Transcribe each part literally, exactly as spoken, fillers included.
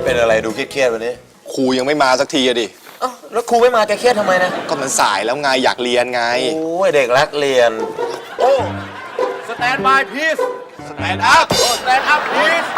เป็นอะไรดูเครียดๆวันนี้ครูยังไม่มาสักทีอะดิเอ้าแล้วครูไม่มาแกเครียดทำไมนะก็มันสายแล้วไงอยากเรียนไงโอ้ยเด็กรักเรียนโอ้สแตนบายพีซสแตนด์อัพโอ้สแตนด์อัพพีซ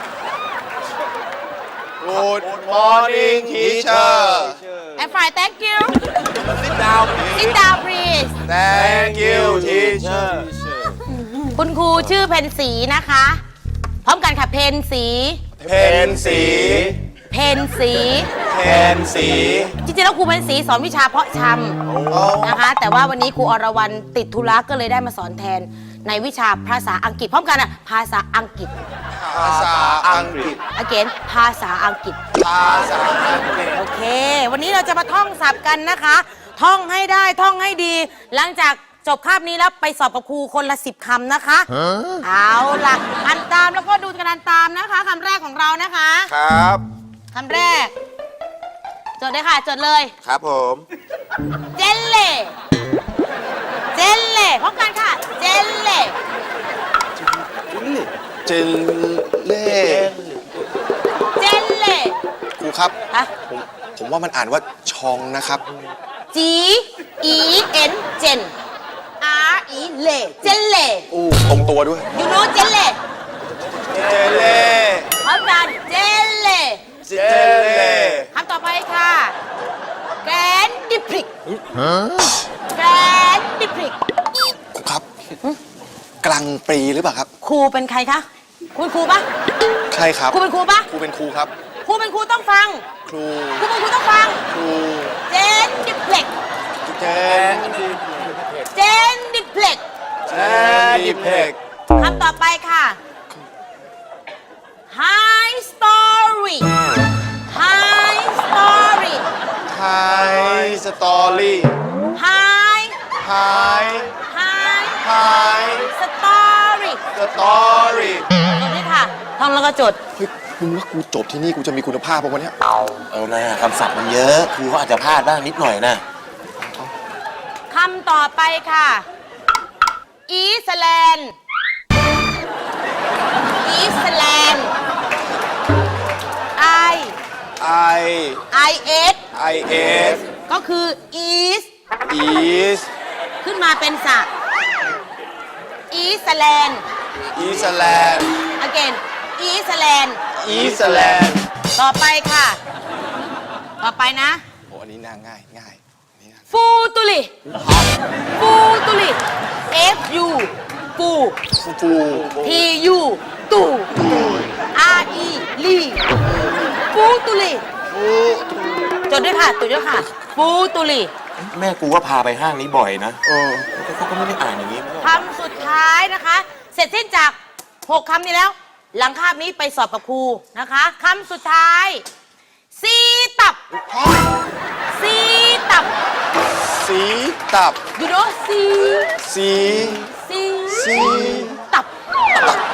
Good morning teacher I'm fine thank you sit down please sit down please Thank you teacher คุณครูชื่อเพนสีนะคะพร้อมกันค่ะเพนสีเพนสีเพนสีเพนสีจริงๆแล้วครูเพนสีสอนวิชาเพาะชำนะคะแต่ว่าวันนี้ครูอรวรรณติดธุระก็เลยได้มาสอนแทนในวิชาภาษาอังกฤษพร้อมกันอ่ะภาษาอังกฤษภาษาอังกฤษ again ภาษาอังกฤษภาษาอังกฤษโอเควันนี้เราจะมาท่องศัพท์กันนะคะท่องให้ได้ท่องให้ดีหลังจากจบคาบนี้แล้วไปสอบกับครูคนละสิบคำนะคะเอาล่ะอ่านตามแล้วก็ดูกันอ่านตามนะคะคำแรกของเรานะคะครับคำแรกจดเลยค่ะจดเลยครับผมเจลเล่เจลเล่พร้อมกันค่ะเจลเล่เจลเล่เจลเล่ครูครับฮะผมผมว่ามันอ่านว่าชองนะครับ G E N เจน R E เล่เจลเล่อู้ตรงตัวด้วย you know เจลเล่เจลเล่พร้อมกันเจลเล่เจลเล่คำต่อไปค่ะแกรนดิพริกแกรนดิพริกครูครับกลางปรีหรือเปล่าครับครูเป็นใครคะคุณครูปะใช่ครับครูเป็นครูปะครูเป็นครูครับครูเป็นครูต้องฟังครูครูเป็นครูต้องฟังครูเจนดิพริกเจนเจนดิพริกเจนดิพริกคำต่อไปค่ะ High story High story High story High High High High story story จดด้วยค่ะท่องแล้วก็จดเฮ้ยมึงว่ากูจบที่นี่กูจะมีคุณภาพป่ะวันนี้เอาหน้าคำศัพท์มันเยอะครูเขาอาจจะพลาดบ้างนิดหน่อยนะคำต่อไปค่ะอีสแลนด์อีสแลนด์ I I I S I S ก็คือ East East ขึ้นมาเป็นสระอีสแลนด์ East Land again อีสแลนด์ East Land ต่อไปค่ะต่อไปนะโอ้อันนี้น่าง่ายง่ายฟูตุลิฟูตุลิ F U ฟูฟูฟู T U ตู R E ลีฟูตุลิจดด้วยค่ะจดด้วยค่ะฟูตุลิแม่กูว่าพาไปห้างนี้บ่อยนะเออเขาก็ไม่ได้อ่านอย่างนี้คำสุดท้ายนะคะเสร็จสิ้นจากหกคำนี้แล้วหลังคาบนี้ไปสอบกับครูนะคะคำสุดท้ายซีตับซีตับสีตับ you know ซีสีซีสีตับตับ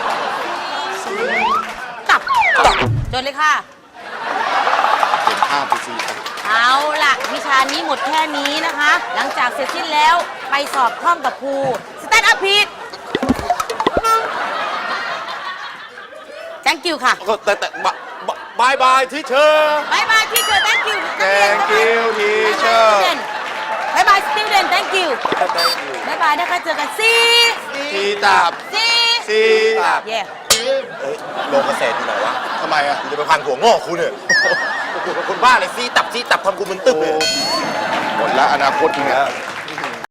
ตับจดเลยค่ะเห็นภาพไปสิเอาล่ะวิชานี้หมดแค่นี้นะคะหลังจากเสร็จสิ้นแล้วไปสอบท่องกับครูสแตนด์อัพพีทthank you ค่ะแต่แต่บายบายทีเชอร์บายบายทีเชอร์ thank you thank you teacher บายบาย student thank you บายบายนะคะเจอกันซีซีตับซีซีตับเย่โลกเกษตรอยู่ไหนวะทำไมอ่ะกูจะไปพันหัวงอกคุณเนี่ยคนบ้าเลยซีตับซีตับทำกูมึนตึ๊บเลยหมดแล้วอนาคตมึงอ่ะ